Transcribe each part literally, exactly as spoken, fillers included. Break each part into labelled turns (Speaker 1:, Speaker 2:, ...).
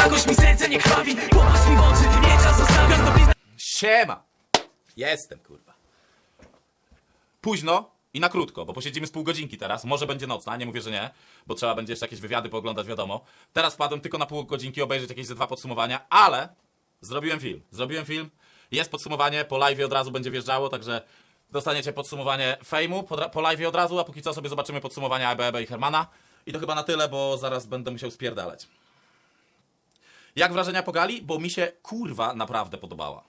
Speaker 1: jakoś mi serce nie krwawi. Popatrz mi w oczy, nie czas zostawiać to blizna.
Speaker 2: Siema! Jestem, kurwa. Późno i na krótko, bo posiedzimy z pół godzinki teraz. Może będzie nocna, nie mówię, że nie, bo trzeba będzie jeszcze jakieś wywiady pooglądać, wiadomo. Teraz wpadłem tylko na pół godzinki obejrzeć jakieś ze dwa podsumowania, ale zrobiłem film. Zrobiłem film, jest podsumowanie, po live'ie od razu będzie wjeżdżało, także dostaniecie podsumowanie fejmu po, po live'ie od razu, a póki co sobie zobaczymy podsumowania Ebe, Ebe i Hermana. I to chyba na tyle, bo zaraz będę musiał spierdalać. Jak wrażenia po gali? Bo mi się kurwa naprawdę podobała.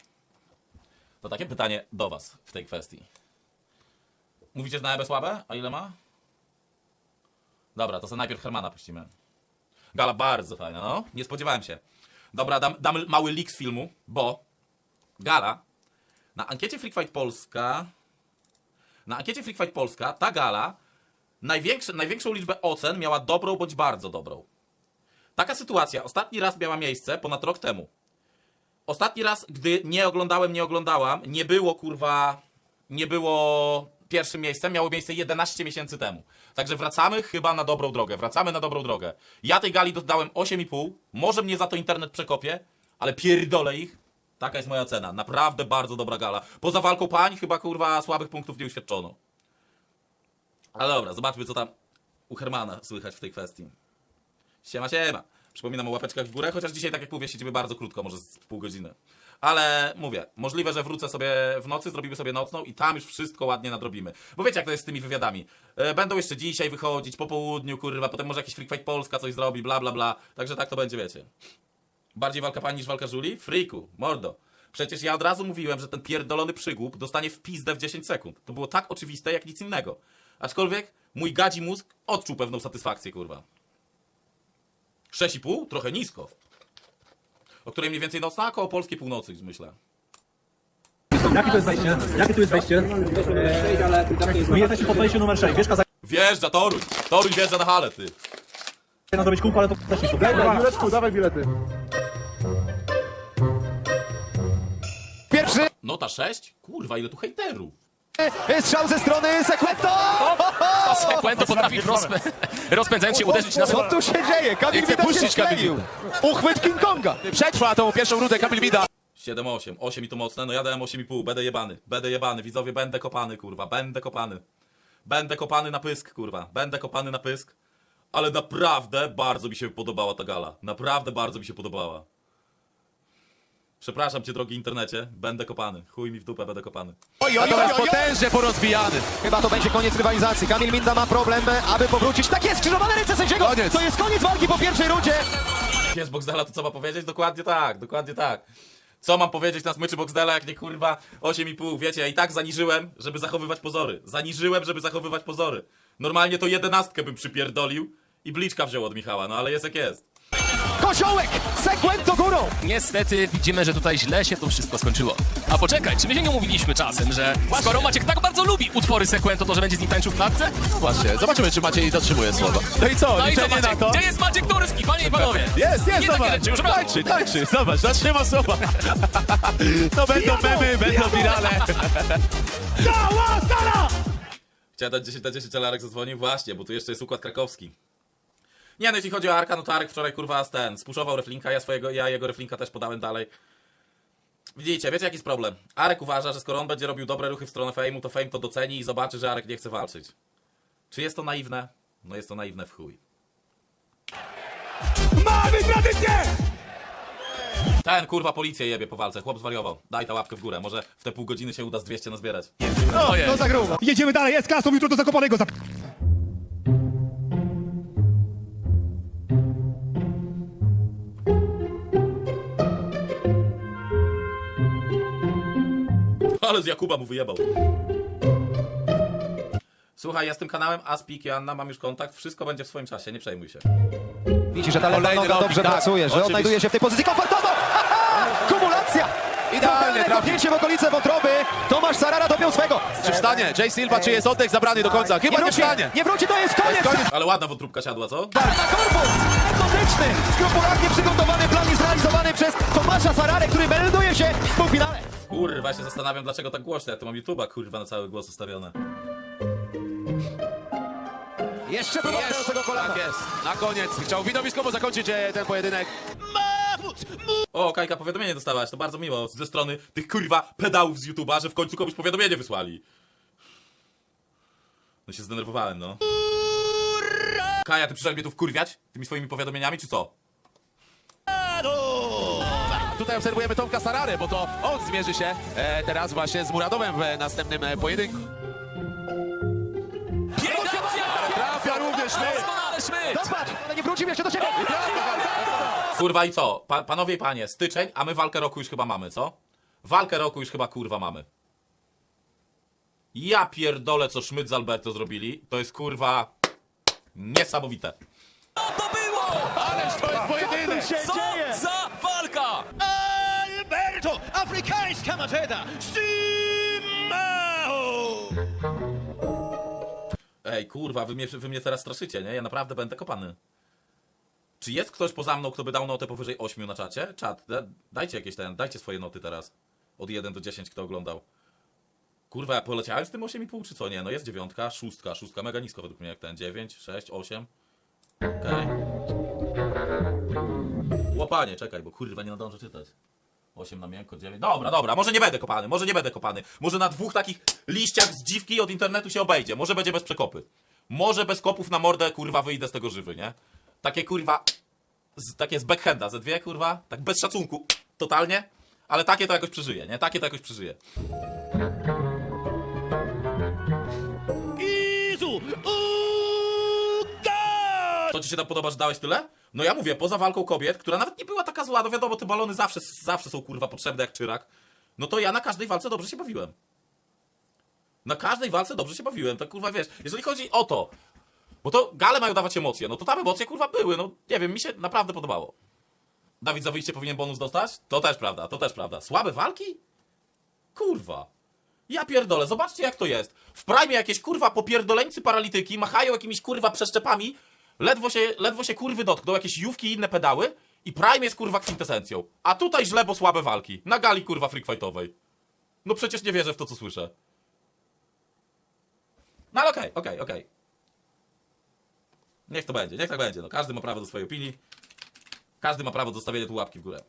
Speaker 2: To takie pytanie do was w tej kwestii. Mówicie, że na Ebę słabe? A ile ma? Dobra, to sobie najpierw Hermana puścimy. Gala bardzo fajna, no. Nie spodziewałem się. Dobra, dam, dam mały leak z filmu, bo gala na ankiecie Freak Fight Polska na ankiecie Freak Fight Polska ta gala największy, największą liczbę ocen miała dobrą bądź bardzo dobrą. Taka sytuacja ostatni raz miała miejsce ponad rok temu. Ostatni raz, gdy nie oglądałem, nie oglądałam, nie było kurwa, nie było pierwszym miejscem, miało miejsce jedenaście miesięcy temu. Także wracamy chyba na dobrą drogę, wracamy na dobrą drogę. Ja tej gali dodałem osiem i pół, może mnie za to internet przekopie, ale pierdolę ich. Taka jest moja cena, naprawdę bardzo dobra gala. Poza walką pań chyba kurwa słabych punktów nie uświadczono. Ale dobra, zobaczmy co tam u Hermana słychać w tej kwestii. Siema, siema. Przypominam o łapeczkach w górę, chociaż dzisiaj, tak jak mówię, siedzimy bardzo krótko, może z pół godziny. Ale mówię, możliwe, że wrócę sobie w nocy, zrobimy sobie nocną i tam już wszystko ładnie nadrobimy. Bo wiecie, jak to jest z tymi wywiadami. E, będą jeszcze dzisiaj wychodzić, po południu, kurwa, potem może jakiś Freak Fight Polska coś zrobi, bla, bla, bla. Także tak to będzie, wiecie. Bardziej walka pań niż walka żuli? Freaku, mordo. Przecież ja od razu mówiłem, że ten pierdolony przygłup dostanie w pizdę w dziesięć sekund. To było tak oczywiste, jak nic innego. Aczkolwiek mój gadzi mózg odczuł pewną satysfakcję, kurwa. sześć i pół? Trochę nisko. O której mniej więcej nocna? Koło polskiej północy, myślę.
Speaker 3: Jakie to jest wejście? Jakie tu jest wejście? My jesteśmy pod wejściem numer sześć. Wiesz, kazać
Speaker 2: Wjeżdża, Toruń! Toruń wjeżdża na halę, ty!
Speaker 3: na zrobić kółko, ale to też nie
Speaker 4: Dawaj, Juleczku, dawaj bilety.
Speaker 5: Pierwszy
Speaker 2: Nota sześć? Kurwa, ile tu hejterów!
Speaker 5: strzał ze strony Sekwento!
Speaker 6: Sekwento potrafi rozpę... rozpędzając się uderzyć na
Speaker 5: Co tu się dzieje? Kamil
Speaker 6: chce
Speaker 5: Mida się
Speaker 6: puścić Kamil
Speaker 5: strzelił. Uchwyt King Konga.
Speaker 6: Przetrwa tą pierwszą rundę Kamil Mida.
Speaker 2: siedem osiem. osiem i to mocne, no ja dałem osiem i pół. Będę jebany. Będę jebany. Widzowie, będę kopany, kurwa. Będę kopany. Będę kopany na pysk, kurwa. Będę kopany na pysk. Ale naprawdę bardzo mi się podobała ta gala. Naprawdę bardzo mi się podobała. Przepraszam cię, drogi internecie. Będę kopany. Chuj mi w dupę, będę kopany.
Speaker 5: Oj, oj, oj,
Speaker 6: Natomiast
Speaker 5: oj, oj.
Speaker 6: potężnie porozbijany.
Speaker 5: Chyba to będzie koniec rywalizacji. Kamil Minda ma problem, aby powrócić. Tak jest, skrzyżowane ręce sędziego.
Speaker 6: Koniec.
Speaker 5: To jest koniec walki po pierwszej rundzie.
Speaker 2: Jest Boxdela, to co ma powiedzieć? Dokładnie tak, dokładnie tak. Co mam powiedzieć na smyczy Boxdela, jak nie kurwa osiem i pół? Wiecie, ja i tak zaniżyłem, żeby zachowywać pozory. Zaniżyłem, żeby zachowywać pozory. Normalnie to jedenastkę bym przypierdolił i bliczka wziął od Michała, no ale jest jak jest.
Speaker 5: Koziołek, Sekwento górą.
Speaker 6: Niestety widzimy, że tutaj źle się to wszystko skończyło. A poczekaj, czy my się nie umówiliśmy czasem, że skoro Maciek tak bardzo lubi utwory Sekwento, to że będzie z nim tańczył w klatce?
Speaker 7: No właśnie, zobaczymy, czy Maciej dotrzymuje słowa. No i co,
Speaker 6: No i co,
Speaker 7: liczenie na
Speaker 6: Maciek?
Speaker 7: to?
Speaker 6: Gdzie jest Maciek Turski, panie i panowie?
Speaker 7: Jest, jest,
Speaker 6: Nie takie
Speaker 7: zobacz,
Speaker 6: rzeczy, już raz.
Speaker 7: tańczy, tańczy, zobacz, zatrzyma słowa. To będą memy, będą wirale.
Speaker 2: Chciałem dać dziesięć na dziesięć, ale Arek zadzwonił. Właśnie, bo tu jeszcze jest układ krakowski. Nie no, jeśli chodzi o Arka, no to Arek wczoraj kurwa z ten, spuszował reflinka, ja swojego, ja jego reflinka też podałem dalej. Widzicie, wiecie jaki jest problem? Arek uważa, że skoro on będzie robił dobre ruchy w stronę fejmu, to fame to doceni i zobaczy, że Arek nie chce walczyć. Czy jest to naiwne? No jest to naiwne w chuj.
Speaker 4: Mamy tradycję!
Speaker 2: Ten kurwa policję jebie po walce, chłop zwariował. Daj ta łapkę w górę, może w te pół godziny się uda z dwieście nazbierać.
Speaker 5: No, to za grubo.
Speaker 4: Jedziemy dalej, jest klasą, jutro do Zakopanego. Zap...
Speaker 2: Ale z Jakuba mu wyjebał. Słuchaj, ja z tym kanałem Aspik i Anna mam już kontakt, wszystko będzie w swoim czasie, nie przejmuj się.
Speaker 5: Widzi, że ta lewa
Speaker 7: Kolejny
Speaker 5: noga
Speaker 7: robi,
Speaker 5: dobrze
Speaker 7: tak,
Speaker 5: pracuje, że
Speaker 7: oczywiście.
Speaker 5: odnajduje się w tej pozycji komfortowo. Ha, ha! Kumulacja.
Speaker 7: Idealnie trafił.
Speaker 5: Kopnięcie w okolice wątroby. Tomasz Sarara dopiął swego.
Speaker 7: Czy wstanie? Jay Silva, czy jest oddech zabrany do końca? Chyba nie
Speaker 5: wróci,
Speaker 7: wstanie.
Speaker 5: nie wróci, to jest koniec.
Speaker 7: koniec.
Speaker 2: Ale ładna wątróbka siadła, co?
Speaker 5: Na korpus metodyczny, skrupulatnie przygotowany plan jest realizowany przez Tomasza Sararę, który melduje się w półfinale.
Speaker 2: Kurwa, się zastanawiam, dlaczego tak głośno. Ja tu mam YouTube'a, kurwa, na cały głos ustawione.
Speaker 5: Jeszcze próba tego kolana.
Speaker 7: Tak jest. Na koniec chciał widowiskowo zakończyć e, ten pojedynek.
Speaker 2: O, Kajka, powiadomienie dostałaś, to bardzo miło ze strony tych kurwa pedałów z YouTube'a, że w końcu komuś powiadomienie wysłali. No się zdenerwowałem, no. Kaja, ty przyszedłeś mnie tu wkurwiać tymi swoimi powiadomieniami, czy co?
Speaker 7: Tutaj obserwujemy Tomka Sararę, bo to on zmierzy się e, teraz właśnie z Muradowem w e, następnym e, pojedynku.
Speaker 6: Piękna akcja!
Speaker 7: Trafia również my.
Speaker 6: Doskonale Szmyt!
Speaker 5: Zobacz, ale nie wrócimy jeszcze do siebie.
Speaker 2: Kurwa i co? Pa panowie i panie, styczeń, a my walkę roku już chyba mamy, co? Walkę roku już chyba kurwa mamy. Ja pierdolę, co Szmyt z Alberto zrobili. To jest kurwa niesamowite.
Speaker 6: Co to było?
Speaker 7: Ależ to jest pojedynek.
Speaker 6: Co za walka!
Speaker 5: Alberto, afrykańska mateda. Simao!
Speaker 2: Ej, kurwa, wy mnie, wy mnie teraz straszycie, nie? Ja naprawdę będę kopany. Czy jest ktoś poza mną, kto by dał notę powyżej ośmiu na czacie? Czat, da, dajcie jakieś ten, dajcie swoje noty teraz. Od jeden do dziesięciu, kto oglądał. Kurwa, ja poleciałem z tym osiem i pół, czy co? Nie, no jest dziewiątka, szóstka, szóstka mega nisko według mnie jak ten. dziewięć, sześć, osiem. Okej. Okay. Łopanie, czekaj, bo kurwa nie nadążę czytać. osiem na miękko, dziewięć. Dobra, dobra, może nie będę kopany, może nie będę kopany. Może na dwóch takich liściach z dziwki od internetu się obejdzie. Może będzie bez przekopy. Może bez kopów na mordę, kurwa, wyjdę z tego żywy, nie? Takie kurwa, z, takie z backhanda, ze dwie kurwa, tak bez szacunku, totalnie. Ale takie to jakoś przeżyje, nie? Takie to jakoś przeżyje.
Speaker 5: Izu!
Speaker 2: Co ci się tam podoba, że dałeś tyle? No ja mówię, poza walką kobiet, która nawet nie była taka zła, no wiadomo, te balony zawsze, zawsze są kurwa potrzebne jak czyrak. No to ja na każdej walce dobrze się bawiłem. Na każdej walce dobrze się bawiłem, tak kurwa wiesz, jeżeli chodzi o to, bo to gale mają dawać emocje, no to tam emocje kurwa były, no nie wiem, mi się naprawdę podobało. Dawid za wyjście powinien bonus dostać? To też prawda, to też prawda. Słabe walki? Kurwa. Ja pierdolę, zobaczcie jak to jest. W prime jakieś kurwa popierdoleńcy paralityki machają jakimiś kurwa przeszczepami, ledwo się, ledwo się kurwy dotkną, jakieś jówki i inne pedały i prime jest kurwa kwintesencją. A tutaj źle, bo słabe walki. Na gali kurwa freakfightowej. No przecież nie wierzę w to, co słyszę. No ale okej, okej, okej. Niech to będzie, niech tak będzie. No każdy ma prawo do swojej opinii. Każdy ma prawo do stawienia tu łapki w górę.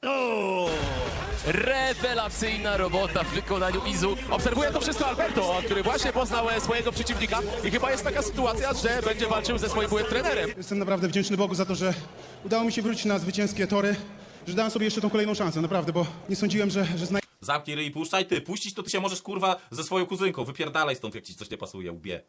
Speaker 6: Rewelacyjna robota w wykonaniu Izu.
Speaker 7: Obserwuje to wszystko Alberto, który właśnie poznał e, swojego przeciwnika i chyba jest taka sytuacja, że będzie walczył ze swoim byłym trenerem.
Speaker 4: Jestem naprawdę wdzięczny Bogu za to, że udało mi się wrócić na zwycięskie tory, że dałem sobie jeszcze tą kolejną szansę, naprawdę, bo nie sądziłem, że, że znajdę
Speaker 2: Zamknij ryj i puszczaj. Ty, puścić to ty się możesz kurwa ze swoją kuzynką. Wypierdalaj stąd, jak ci coś nie pasuje, łbie.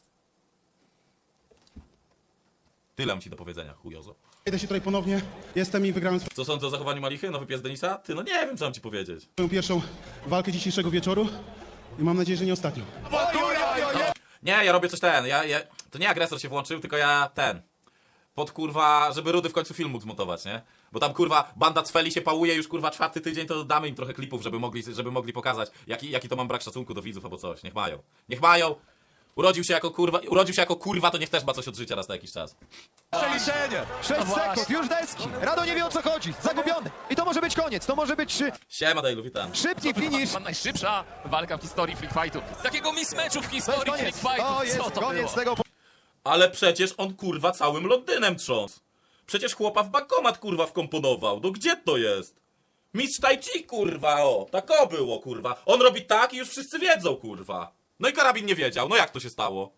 Speaker 2: Tyle mam ci do powiedzenia, chujozo.
Speaker 4: się tutaj ponownie. Jestem i wygrałem
Speaker 2: Co sądzę o zachowaniu Malichy? Nowy pies Denisa? Ty, no nie wiem, co mam ci powiedzieć.
Speaker 4: swoją pierwszą walkę dzisiejszego wieczoru i mam nadzieję, że nie ostatnią.
Speaker 2: Nie, ja robię coś ten, ja, ja... To nie agresor się włączył, tylko ja ten... Pod kurwa, żeby Rudy w końcu film mógł zmontować, nie? Bo tam kurwa banda Cfeli się pałuje już kurwa czwarty tydzień, to damy im trochę klipów, żeby mogli, żeby mogli pokazać, jaki, jaki to mam brak szacunku do widzów albo coś. Niech mają. Niech mają! Urodził się jako kurwa, urodził się jako kurwa, to niech też ma coś od życia raz na jakiś czas.
Speaker 5: Przeliczenie. sześć sekund, już deski. Rado nie wie o co chodzi. Zagubiony. I to może być koniec. To może być szy...
Speaker 2: Siema Dejlu, witam.
Speaker 5: szybki finish.
Speaker 6: Chyba najszybsza walka w historii Freak Fightu. Takiego mismatchu w
Speaker 5: To jest
Speaker 6: historii
Speaker 5: koniec.
Speaker 6: Freak Fightu.
Speaker 5: To jest
Speaker 6: Co to
Speaker 5: koniec
Speaker 6: było?
Speaker 5: tego.
Speaker 2: Ale przecież on kurwa całym Londynem trząsł. Przecież chłopa w bankomat kurwa wkomponował. No gdzie to jest? Mistrz Tai Chi kurwa, o. Tak o było kurwa. On robi tak i już wszyscy wiedzą kurwa. No i karabin nie wiedział. No jak to się stało?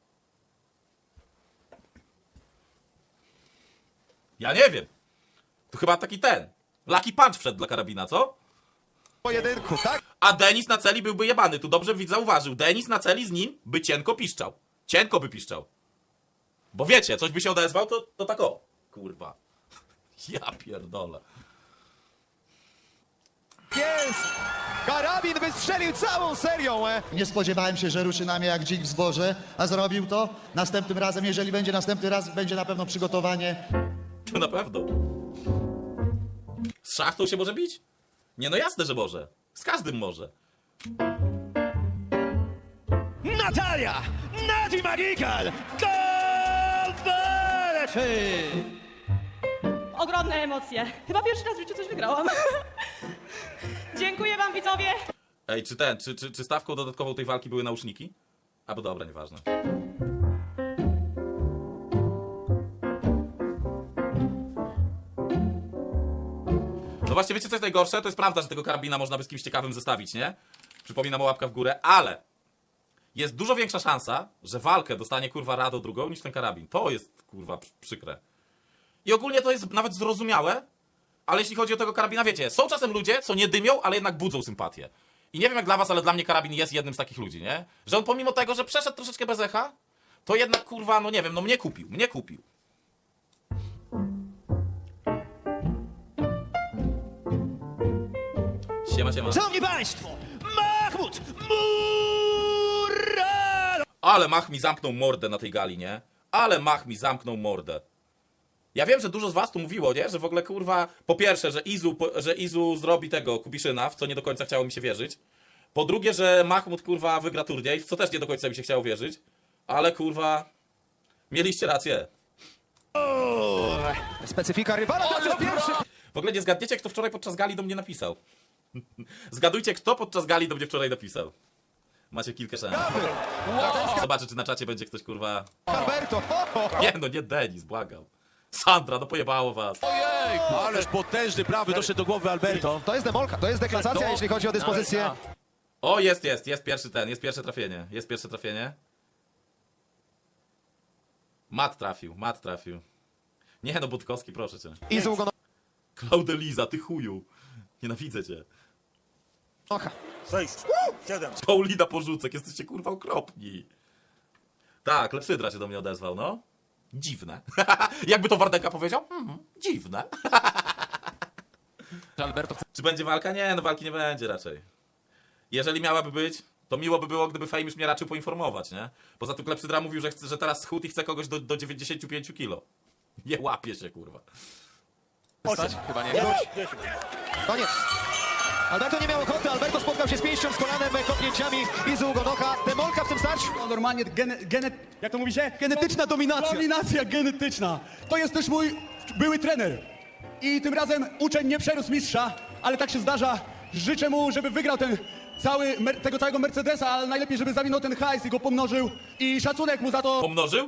Speaker 2: Ja nie wiem. To chyba taki ten. Lucky punch wszedł dla karabina, co?
Speaker 5: Pojedynku, tak?
Speaker 2: A Denis na celi byłby jebany. Tu dobrze widz zauważył. Denis na celi z nim by cienko piszczał. Cienko by piszczał. Bo wiecie, coś by się odezwał, to, to tak o. Kurwa. Ja pierdolę.
Speaker 5: Jest! Karabin wystrzelił całą serią, e!
Speaker 8: Nie spodziewałem się, że ruszy na mnie jak dzik w zboże, a zrobił to. Następnym razem, jeżeli będzie następny raz, będzie na pewno przygotowanie.
Speaker 2: To na pewno. Z szachtą się może bić? Nie, no jasne, że może. Z każdym może.
Speaker 5: Natalia! Nati Magical!
Speaker 9: Ogromne emocje. Chyba pierwszy raz w życiu coś wygrałam. Dziękuję wam, widzowie.
Speaker 2: Ej, czy ten, czy, czy, czy stawką dodatkową tej walki były nauszniki? A bo dobra, nieważne. No właśnie, wiecie co jest najgorsze? To jest prawda, że tego karabina można by z kimś ciekawym zestawić, nie? Przypominam o łapka w górę, ale jest dużo większa szansa, że walkę dostanie kurwa Rado drugą niż ten karabin. To jest kurwa przy- przykre. I ogólnie to jest nawet zrozumiałe, ale jeśli chodzi o tego karabina, wiecie, są czasem ludzie, co nie dymią, ale jednak budzą sympatię. I nie wiem jak dla was, ale dla mnie karabin jest jednym z takich ludzi, nie? Że on pomimo tego, że przeszedł troszeczkę bez echa, to jednak kurwa, no nie wiem, no mnie kupił, mnie kupił. Siema, siema.
Speaker 5: Szanowni Państwo, Mahmud Muralo!
Speaker 2: Ale Mach mi zamknął mordę na tej gali, nie? Ale Mach mi zamknął mordę. Ja wiem, że dużo z was tu mówiło, nie? Że w ogóle kurwa, po pierwsze, że Izu, po, że Izu zrobi tego Kubiszyna, w co nie do końca chciało mi się wierzyć. Po drugie, że Mahmud kurwa wygra turniej, w co też nie do końca mi się chciało wierzyć. Ale kurwa, mieliście rację.
Speaker 5: Specyfika rywala, to jest pierwszy.
Speaker 2: W ogóle nie zgadniecie, kto wczoraj podczas gali do mnie napisał. Zgadujcie, kto podczas gali do mnie wczoraj napisał. Macie kilka szans. Zobaczę, czy na czacie będzie ktoś kurwa...
Speaker 5: Alberto, ho, ho, ho.
Speaker 2: Nie no, nie Denis, błagam. Sandra, no pojebało was.
Speaker 7: Ojej, ależ potężny prawy doszedł do głowy Alberto.
Speaker 5: To jest demolka, to jest deklasacja, jeśli chodzi o dyspozycję.
Speaker 2: O, jest, jest, jest pierwszy ten, jest pierwsze trafienie. Jest pierwsze trafienie. Mat trafił, mat trafił. Nie no, Budkowski, proszę cię.
Speaker 5: Izu go
Speaker 2: Claudeliza, ty chuju. Nienawidzę cię.
Speaker 5: nocha.
Speaker 2: Paulina Porzucek, jesteście kurwa okropni. Tak, Lepsydra się do mnie odezwał, no. Dziwne. Jakby to Wardęga powiedział? Mhm, dziwne.
Speaker 6: Alberto chce
Speaker 2: Czy będzie walka? Nie, no walki nie będzie raczej. Jeżeli miałaby być, to miło by było, gdyby Fame już mnie raczył poinformować, nie? Poza tym Klepsydra mówił, że, chce, że teraz schudł i chce kogoś do, do dziewięćdziesięciu pięciu kilo. Nie łapie się, kurwa.
Speaker 6: stać? Chyba nie.
Speaker 5: Koniec. Alberto nie miał ochoty, Alberto spotkał się z pięścią, z kolanem, kopnięciami Izu Ugonoka. Demolka w tym starciu.
Speaker 10: No normalnie, gene, gene, jak to mówi się? Genetyczna dominacja. Dominacja genetyczna. To jest też mój były trener. I tym razem uczeń nie przerósł mistrza, ale tak się zdarza. Życzę mu, żeby wygrał ten cały, mer- tego całego Mercedesa, ale najlepiej, żeby zawinął ten hajs i go pomnożył. I szacunek mu za to.
Speaker 2: Pomnożył?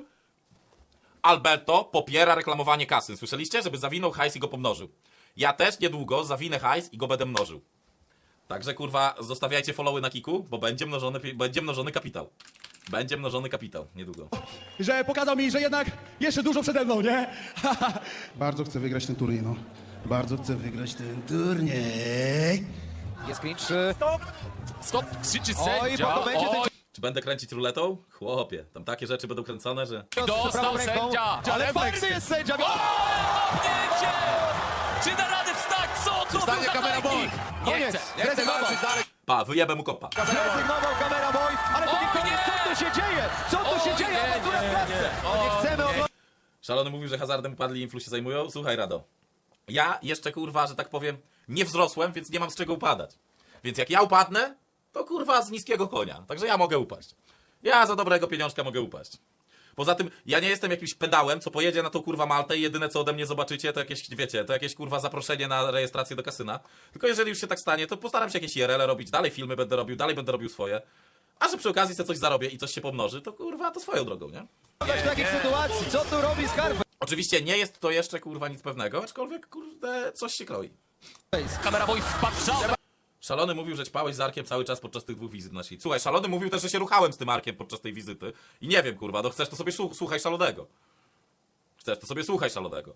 Speaker 2: Alberto popiera reklamowanie kasy. Słyszeliście? Żeby zawinął hajs i go pomnożył. Ja też niedługo zawinę hajs i go będę mnożył. Także kurwa, zostawiajcie followy na Kiku, bo będzie mnożony, pi- będzie mnożony kapitał. Będzie mnożony kapitał niedługo.
Speaker 10: Że pokazał mi, że jednak jeszcze dużo przede mną, nie?
Speaker 4: Bardzo chcę wygrać ten turniej, no. Bardzo chcę wygrać ten turniej.
Speaker 5: Jest clinch.
Speaker 6: Stop, krzyczy
Speaker 5: Oj,
Speaker 6: sędzia.
Speaker 5: bo to będzie ten
Speaker 6: Oj,
Speaker 2: Czy będę kręcić ruletą? Chłopie, tam takie rzeczy będą kręcone, że...
Speaker 6: dostał sędzia.
Speaker 5: Ale twardy jest sędzia.
Speaker 6: Kopnięcie! Czy da radę wstać? Co to był
Speaker 7: Stanie
Speaker 6: za
Speaker 7: kamera
Speaker 6: tajnik?
Speaker 7: boy.
Speaker 6: Nie
Speaker 5: Koniec.
Speaker 6: chcę, nie chcę
Speaker 5: Zrezygnował.
Speaker 6: walczyć dalej.
Speaker 2: Pa, wyjebę mu kopa.
Speaker 5: Zrezygnował kamera boy, ale to nie
Speaker 6: Oj,
Speaker 5: koniec.
Speaker 6: nie.
Speaker 5: Co tu się dzieje? Co tu się
Speaker 6: Oj,
Speaker 5: dzieje?
Speaker 6: nie,
Speaker 5: Awantura
Speaker 6: nie,
Speaker 5: w klatce. No nie chcemy oglądać.
Speaker 2: Szalony mówił, że hazardem upadli i influ się zajmują. Słuchaj, Rado. Ja jeszcze, kurwa, że tak powiem, nie wzrosłem, więc nie mam z czego upadać. Więc jak ja upadnę, to kurwa z niskiego konia. Także ja mogę upaść. Ja za dobrego pieniążka mogę upaść. Poza tym, ja nie jestem jakimś pedałem, co pojedzie na tą kurwa Maltę i jedyne co ode mnie zobaczycie, to jakieś, wiecie, to jakieś kurwa zaproszenie na rejestrację do kasyna. Tylko jeżeli już się tak stanie, to postaram się jakieś I R L robić, dalej filmy będę robił, dalej będę robił swoje. A że przy okazji sobie coś zarobię i coś się pomnoży, to kurwa, to swoją drogą, nie?
Speaker 5: W takich sytuacji. Co tu robi Scarface?
Speaker 2: Oczywiście nie jest to jeszcze kurwa nic pewnego, aczkolwiek kurde coś się kroi.
Speaker 6: Kamera boy wpatrzał.
Speaker 2: Szalony mówił, że ćpałeś z Arkiem cały czas podczas tych dwóch wizyt naszych. Słuchaj, Szalony mówił też, że się ruchałem z tym Arkiem podczas tej wizyty. I nie wiem, kurwa, no chcesz to sobie słu- słuchaj Szalonego. Chcesz to sobie słuchaj Szalonego.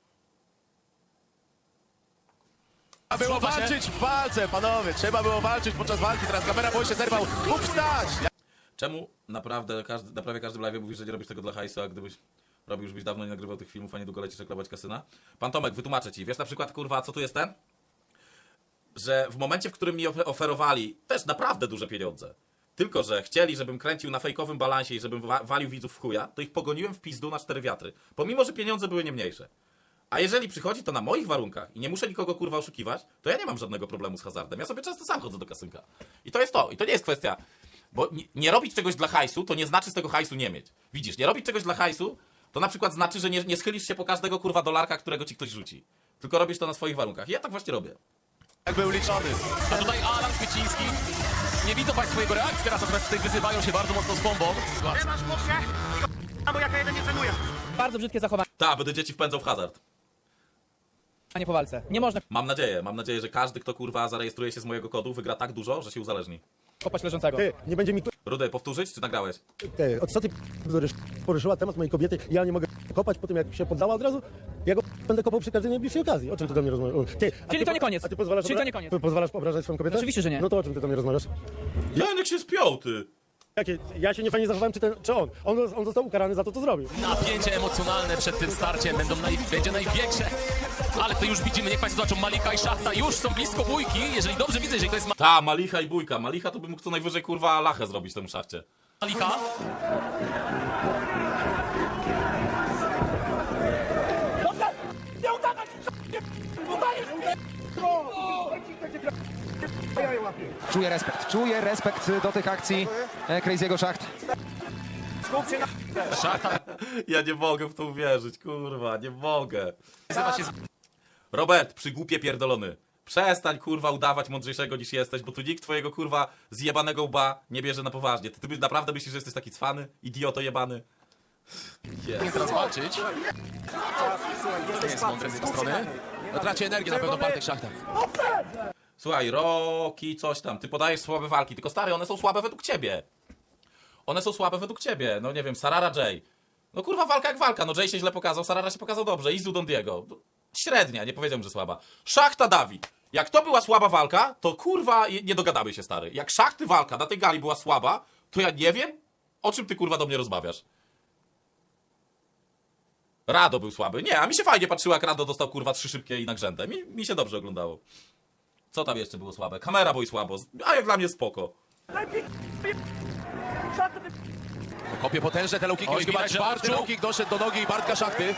Speaker 7: Trzeba było walczyć w walce, panowie. Trzeba było walczyć podczas walki. Teraz kamera boy się zerwał. Mógł wstać.
Speaker 2: Czemu naprawdę każdy, na prawie każdym live mówisz, że nie robisz tego dla hajsu, a gdybyś robił, już byś dawno nie nagrywał tych filmów, a niedługo lecisz reklamować kasyna? Pan Tomek, wytłumaczę ci. Wiesz na przykład, kurwa, co tu jest ten? Że w momencie, w którym mi ofe- oferowali też naprawdę duże pieniądze, tylko że chcieli, żebym kręcił na fejkowym balansie i żebym wa- walił widzów w chuja, to ich pogoniłem w pizdu na cztery wiatry. Pomimo, że pieniądze były nie mniejsze. A jeżeli przychodzi to na moich warunkach i nie muszę nikogo kurwa oszukiwać, to ja nie mam żadnego problemu z hazardem. Ja sobie często sam chodzę do kasynka. I to jest to. I to nie jest kwestia... Bo nie, nie robić czegoś dla hajsu, to nie znaczy z tego hajsu nie mieć. Widzisz, nie robić czegoś dla hajsu, to na przykład znaczy, że nie, nie schylisz się po każdego kurwa dolarka, którego ci ktoś rzuci. Tylko robisz to na swoich warunkach. I ja tak właśnie robię.
Speaker 7: Jak był liczony.
Speaker 6: A tutaj Alan Kwieciński. Nie widzą Państwo jego reakcji teraz, natomiast tutaj wyzywają się bardzo mocno z bombą.
Speaker 10: Bardzo brzydkie zachowanie.
Speaker 2: Ta, będę dzieci wpędzał w hazard.
Speaker 1: A nie po walce. Nie można
Speaker 2: Mam nadzieję, mam nadzieję, że każdy, kto kurwa zarejestruje się z mojego kodu, wygra tak dużo, że się uzależni.
Speaker 1: kopać leżącego.
Speaker 3: Ty, nie będzie mi
Speaker 2: Rudy, powtórzyć, czy nagrałeś?
Speaker 3: Ty, od co ty poruszyła temat mojej kobiety, ja nie mogę kopać po tym, jak się poddała od razu? Ja go będę kopał przy każdej najbliższej okazji. O czym ty do mnie rozmawiasz? Ty, a
Speaker 1: Czyli
Speaker 3: ty
Speaker 1: to
Speaker 3: po-
Speaker 1: nie koniec.
Speaker 3: A ty pozwalasz,
Speaker 1: Czyli
Speaker 3: obra-
Speaker 1: to nie koniec.
Speaker 3: Ty pozwalasz obrażać swoją kobietę?
Speaker 1: Oczywiście, że nie.
Speaker 3: No to o czym ty do mnie rozmawiasz?
Speaker 2: Janek się spiął, ty!
Speaker 3: Jakie, ja się nie fajnie zachowałem, czy, ten, czy on? on? On został ukarany za to, co zrobił.
Speaker 6: Napięcie emocjonalne przed tym starciem będą naj, będzie największe. Ale to już widzimy, niech Państwo zobaczą, Malika i Szachta już są blisko bójki. Jeżeli dobrze widzę, jeżeli to jest
Speaker 2: Ta, Malicha i Bójka. Malicha to by mógł co najwyżej kurwa lachę zrobić temu szachcie.
Speaker 6: Malika,
Speaker 5: Czuję respekt, czuję respekt do tych akcji e, Crazy'ego Szacht.
Speaker 6: Szachta
Speaker 2: Ja nie mogę w to uwierzyć, kurwa, nie mogę.
Speaker 6: nazywa się
Speaker 2: Robert, przygłupie pierdolony. Przestań kurwa udawać mądrzejszego niż jesteś, bo tu nikt twojego kurwa zjebanego łba nie bierze na poważnie. Ty, ty naprawdę myślisz, że jesteś taki cwany? Idioto jebany?
Speaker 6: z... teraz walczyć. To jest mądre z jego strony.
Speaker 7: No, traci energię na pewno Bartek Szachta.
Speaker 2: Słuchaj, Roki, coś tam, ty podajesz słabe walki, tylko stary, one są słabe według ciebie. One są słabe według ciebie, no nie wiem, Sarara Jay. No kurwa, walka jak walka, no Jay się źle pokazał, Sarara się pokazał dobrze, Izu Don Diego. Średnia, nie powiedziałem, że słaba. Szachta Dawid. Jak to była słaba walka, to kurwa nie dogadamy się, stary. Jak Szachty walka na tej gali była słaba, to ja nie wiem, o czym ty kurwa do mnie rozmawiasz. Rado był słaby. Nie, a mi się fajnie patrzyło, jak Rado dostał kurwa trzy szybkie i nagrzęde. Mi, mi się dobrze oglądało. Co tam jeszcze było słabe? Kamera boi słabo, a jak dla mnie spoko.
Speaker 7: Kopie potężne te low kicki,
Speaker 6: Oj,
Speaker 7: już chyba
Speaker 6: widać, że
Speaker 7: czwarty
Speaker 6: odczuł.
Speaker 7: low kick doszedł do nogi Bartka Szachty.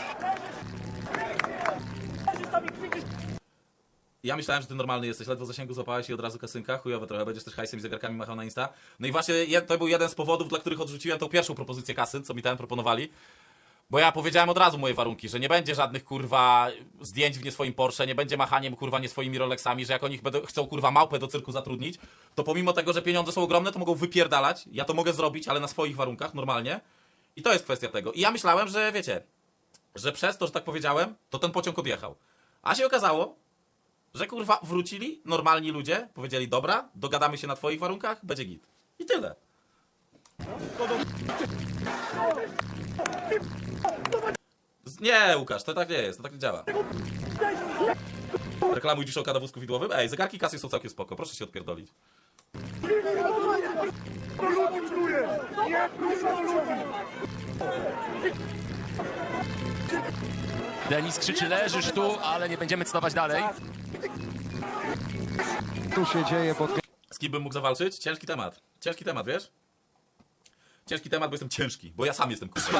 Speaker 2: Ja myślałem, że ty normalny jesteś, ledwo zasięgu złapałeś i od razu kasynka, chujowe trochę, będziesz też hajsem i zegarkami machał na Insta. No i właśnie je- to był jeden z powodów, dla których odrzuciłem tą pierwszą propozycję kasyn, co mi ten proponowali. Bo ja powiedziałem od razu moje warunki, że nie będzie żadnych kurwa zdjęć w nie swoim Porsche, nie będzie machaniem kurwa nie swoimi Rolexami, że jak oni będą, chcą kurwa małpę do cyrku zatrudnić, to pomimo tego, że pieniądze są ogromne, to mogą wypierdalać. Ja to mogę zrobić, ale na swoich warunkach, normalnie. I to jest kwestia tego. I ja myślałem, że wiecie, że przez to, że tak powiedziałem, to ten pociąg odjechał. A się okazało, że kurwa wrócili normalni ludzie, powiedzieli dobra, dogadamy się na twoich warunkach, będzie git. I tyle. Z- Nie, Łukasz, to tak nie jest, to tak nie działa. Reklamuj dziś oka na wózku widłowym? Ej, zegarki kasy są całkiem spoko, proszę się odpierdolić.
Speaker 6: Denis krzyczy, leżysz tu, ale nie będziemy cytować dalej.
Speaker 5: Tu się dzieje pod...
Speaker 2: Z kim bym mógł zawalczyć? Ciężki temat. Ciężki temat, wiesz? Ciężki temat, bo jestem ciężki, bo ja sam jestem kurwa.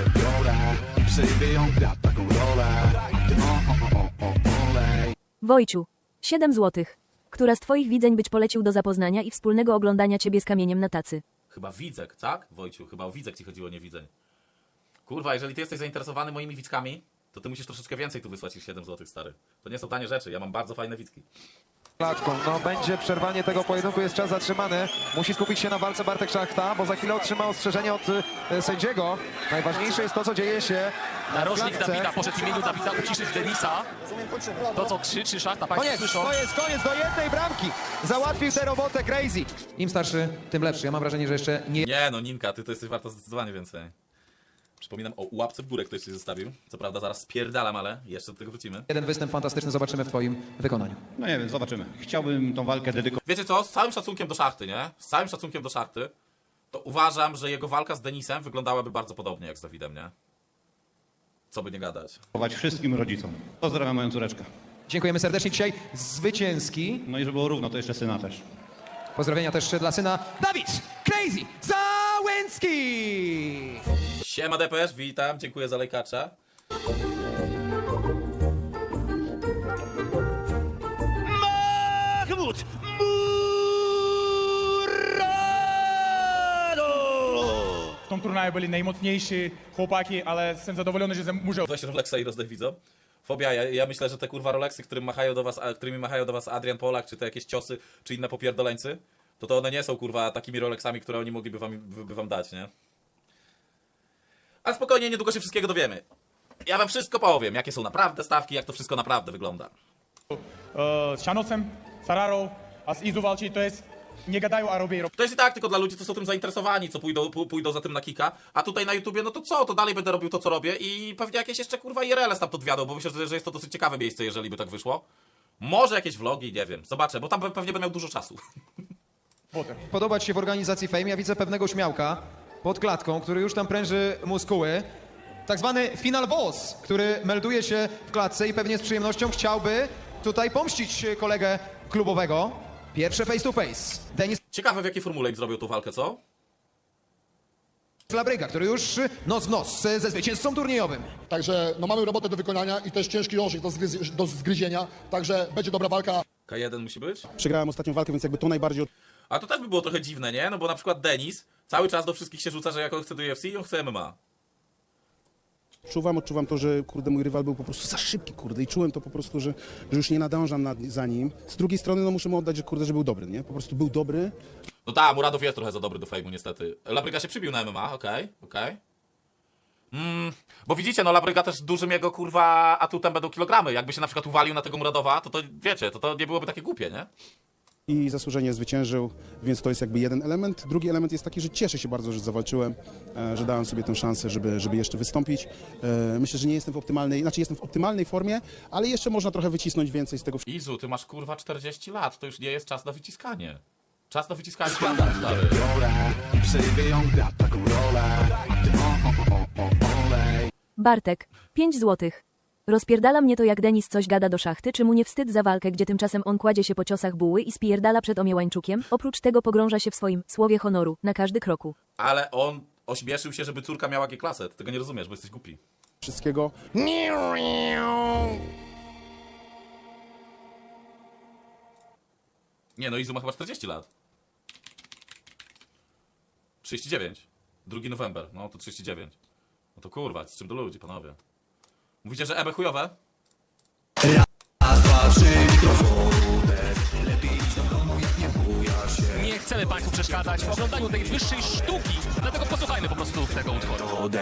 Speaker 11: Wojciu, siedem złotych. Która z twoich widzeń być polecił do zapoznania i wspólnego oglądania ciebie z kamieniem na tacy?
Speaker 2: Chyba Widzek, tak? Wojciu, chyba o Widzek ci chodziło, nie Widzeń. Kurwa, jeżeli ty jesteś zainteresowany moimi widzkami, to ty musisz troszeczkę więcej tu wysłać niż siedem złotych, stary. To nie są tanie rzeczy, ja mam bardzo fajne widzki.
Speaker 5: klatką. No będzie przerwanie tego pojedynku, jest czas zatrzymany. Musi skupić się na walce Bartek Szachta, bo za chwilę otrzyma ostrzeżenie od e, sędziego. Najważniejsze jest to, co dzieje się w
Speaker 6: Narożnik
Speaker 5: klatce.
Speaker 6: Dawida poszedł w imieniu Dawida uciszyć Denisa. To, co krzyczy Szachta, Państwo
Speaker 5: Koniec,
Speaker 6: słyszą.
Speaker 5: to jest koniec, do jednej bramki. Załatwił tę robotę Crazy. Im starszy, tym lepszy. Ja mam wrażenie, że jeszcze nie
Speaker 2: Nie no, Ninka, ty to jesteś warta zdecydowanie więcej. Przypominam o łapce w górę, ktoś się zostawił. Co prawda zaraz spierdalam, ale jeszcze do tego wrócimy.
Speaker 5: jeden występ fantastyczny zobaczymy w twoim wykonaniu.
Speaker 10: No nie wiem, zobaczymy. Chciałbym tą walkę dedykować
Speaker 2: Wiecie co, z całym szacunkiem do Szachty, nie? Z całym szacunkiem do Szachty, to uważam, że jego walka z Denisem wyglądałaby bardzo podobnie jak z Dawidem, nie? Co by nie gadać.
Speaker 10: wszystkim rodzicom. Pozdrawiam moją córeczkę.
Speaker 5: Dziękujemy serdecznie. Dzisiaj zwycięski.
Speaker 10: No i żeby było równo, to jeszcze syna też.
Speaker 5: Pozdrowienia też dla syna Dawid Crazy Załęcki.
Speaker 2: Siema D P S, witam, dziękuję za lajkacza.
Speaker 1: Mahmud
Speaker 10: W tym turnieju byli najmocniejsi chłopaki, ale jestem zadowolony, że muszę
Speaker 2: Weź Rolexa i rozdaj widzom. Fobia, ja, ja myślę, że te kurwa Rolexy, którym machają do was, a, którymi machają do was Adrian Polak, czy te jakieś ciosy, czy inne popierdoleńcy, to to one nie są kurwa takimi Rolexami, które oni mogliby wam, by, by wam dać, nie? Ale spokojnie, niedługo się wszystkiego dowiemy. Ja wam wszystko powiem, jakie są naprawdę stawki, jak to wszystko naprawdę wygląda.
Speaker 10: z Szanosem, Sararą, a z Izu walczy, to jest nie gadają, a robią.
Speaker 2: To jest i tak tylko dla ludzi, co są tym zainteresowani, co pójdą, pó- pójdą za tym na kika, a tutaj na YouTubie, no to co, to dalej będę robił to, co robię i pewnie jakieś jeszcze kurwa I R L stamtąd wiadą, bo myślę, że że jest to dosyć ciekawe miejsce, jeżeli by tak wyszło. Może jakieś vlogi, nie wiem, zobaczę, bo tam pe- pewnie będę miał dużo czasu.
Speaker 5: Podobać się w organizacji Fame. Ja widzę pewnego śmiałka pod klatką, który już tam pręży muskuły. Tak zwany final boss, który melduje się w klatce i pewnie z przyjemnością chciałby tutaj pomścić kolegę klubowego. Pierwsze face to face. Denis
Speaker 2: Ciekawe, w jakiej formule ich zrobił tą walkę, co?
Speaker 5: Labryga, który już nos w nos ze zwycięzcą turniejowym.
Speaker 8: Także no, mamy robotę do wykonania i też ciężki orzech do, zgryz- do zgryzienia, także będzie dobra walka.
Speaker 2: K jeden musi być?
Speaker 4: Przegrałem ostatnią walkę, więc jakby to najbardziej
Speaker 2: A to też by było trochę dziwne, nie? No bo na przykład Denis cały czas do wszystkich się rzuca, że jak on chce do U F C i on chce M M A.
Speaker 4: odczuwam. Odczuwam to, że kurde, mój rywal był po prostu za szybki, kurde, i czułem to po prostu, że, że już nie nadążam nad, za nim. Z drugiej strony, no muszę mu oddać, że kurde, że był dobry, nie? Po prostu był dobry.
Speaker 2: No tak, Muradow jest trochę za dobry do fejmu niestety. Labryga się przybił na M M A, okej, okej. Mm, bo widzicie, no Labryga też dużym jego kurwa atutem będą kilogramy. Jakby się na przykład uwalił na tego Muradowa, to to wiecie, to to nie byłoby takie głupie, nie?
Speaker 4: I zasłużenie zwyciężył, więc to jest jakby jeden element. Drugi element jest taki, że cieszę się bardzo, że zawalczyłem, e, że dałem sobie tę szansę, żeby, żeby jeszcze wystąpić. E, myślę, że nie jestem w optymalnej, znaczy jestem w optymalnej formie, ale jeszcze można trochę wycisnąć więcej z tego wszystkiego.
Speaker 2: Izu, ty masz kurwa czterdzieści lat, to już nie jest czas na wyciskanie. Czas na wyciskanie skandal, stary.
Speaker 11: Bartek, pięć złotych. Rozpierdala mnie to, jak Denis coś gada do szachty, czy mu nie wstyd za walkę, gdzie tymczasem on kładzie się po ciosach buły i spierdala przed Omiełańczukiem? Oprócz tego pogrąża się w swoim słowie honoru na każdy kroku.
Speaker 2: Ale on ośmieszył się, żeby córka miała G-klasę. Ty tego nie rozumiesz, bo jesteś głupi.
Speaker 4: wszystkiego.
Speaker 2: Nie no, Izu ma chyba czterdzieści lat. trzydzieści dziewięć. drugi November, no to trzydzieści dziewięć. No to kurwa, z czym do ludzi, panowie. Mówicie, że E B chujowe?
Speaker 6: Nie chcemy Państwu przeszkadzać w oglądaniu tej wyższej sztuki, dlatego posłuchajmy po prostu tego utworu.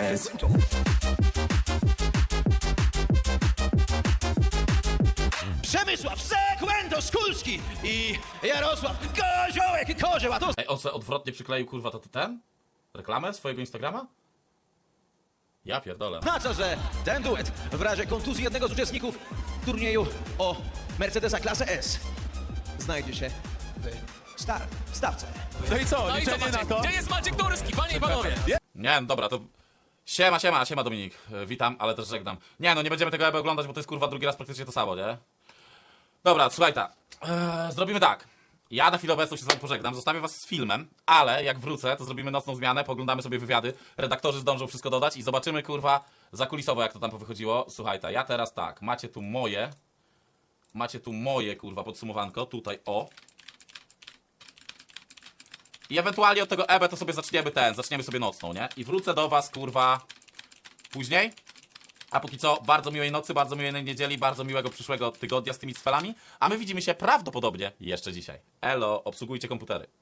Speaker 1: Przemysław Sekwento Szkulski i Jarosław Koziołek Kozioł, a to
Speaker 2: Ej, on sobie odwrotnie przykleił, kurwa, to ten? Reklamę swojego Instagrama? Ja pierdolę.
Speaker 1: oznacza, że ten duet w razie kontuzji jednego z uczestników turnieju o Mercedesa klasę S znajdzie się w star w stawce.
Speaker 7: No i co,
Speaker 6: No i co,
Speaker 7: liczenie na
Speaker 6: Maciek?
Speaker 7: to?
Speaker 6: Gdzie jest Maciek Durski, panie i panowie?
Speaker 2: Nie, no dobra, to... Siema, siema, siema Dominik. E, Witam, ale też żegnam. Nie, no nie będziemy tego E B oglądać, bo to jest kurwa drugi raz praktycznie to samo, nie? Dobra, słuchaj ta. Eee, zrobimy tak. Ja na chwilę obecną się z wami pożegnam, zostawię was z filmem, ale jak wrócę, to zrobimy nocną zmianę, poglądamy sobie wywiady, redaktorzy zdążą wszystko dodać i zobaczymy, kurwa, zakulisowo jak to tam powychodziło. Słuchaj ta, ja teraz tak, macie tu moje, macie tu moje, kurwa, podsumowanko, tutaj, o. I ewentualnie od tego E B to sobie zaczniemy ten, zaczniemy sobie nocną, nie? I wrócę do was, kurwa, później. A póki co, bardzo miłej nocy, bardzo miłej niedzieli, bardzo miłego przyszłego tygodnia z tymi cfelami. A my widzimy się prawdopodobnie jeszcze dzisiaj. Elo, obsługujcie komputery.